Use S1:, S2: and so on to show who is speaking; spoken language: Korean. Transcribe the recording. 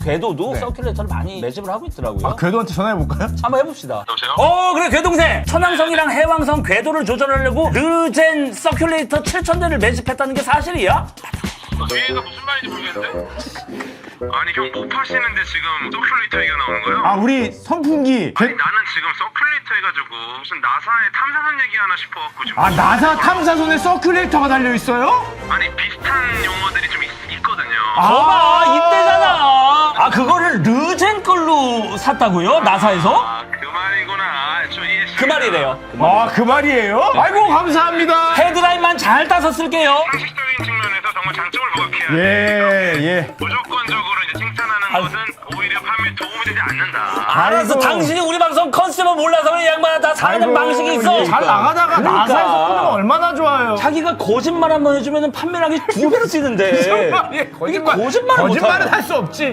S1: 궤도도
S2: 네.
S1: 서큘레이터를 많이 매집을 하고 있더라고요.
S2: 아, 궤도한테 전화해볼까요?
S1: 한번 해봅시다.
S3: 여보세요?
S1: 그래 궤동생. 천왕성이랑 해왕성 궤도를 조절하려고 르젠 서큘레이터 7000대를 매집했다는 게 사실이야?
S3: 뒤에가 무슨 말인지 모르겠는데? 아니 형 못 파시는데 지금 서큘레이터 얘기가 나오는 거예요?
S2: 아, 우리 선풍기.
S3: 아니 나는 지금 서큘레이터 해가지고 무슨 나사의 탐사선 얘기하나 싶어갖고 지금
S2: 아, 나사 탐사선에 서큘레이터가 달려있어요?
S3: 아니 비슷한 용어들이 좀 있거든요.
S1: 봐봐 이때잖아. 아 그거를 르젠 걸로 샀다고요? 나사에서?
S3: 아, 그 말이구나. 저 이해했습니다.
S1: 그 말이래요.
S2: 아, 그 말이에요? 아이고, 감사합니다.
S1: 헤드라인만 잘 따서 쓸게요.
S3: 상식적인 측면에서 정말 장점을 부각해야 돼.
S2: 예.
S3: 무조건적으로 이제 칭찬하는 것은 오히려 판매에 도움이 되지 않는다.
S1: 알았어.
S2: 아이고.
S1: 당신이 우리 방송 컨셉을 몰라서 그래. 이 양반아 다 사는
S2: 아이고,
S1: 방식이 있어.
S2: 예, 잘 나가다가
S1: 그러니까.
S2: 나사에서 끊으면 얼마나 좋아요.
S1: 자기가 거짓말 한번 해주면 판매량이 2배로 뛰는데.
S2: 거짓말.
S1: 거짓말을
S2: 거짓말은
S1: 못하네.
S2: 할 수 없지.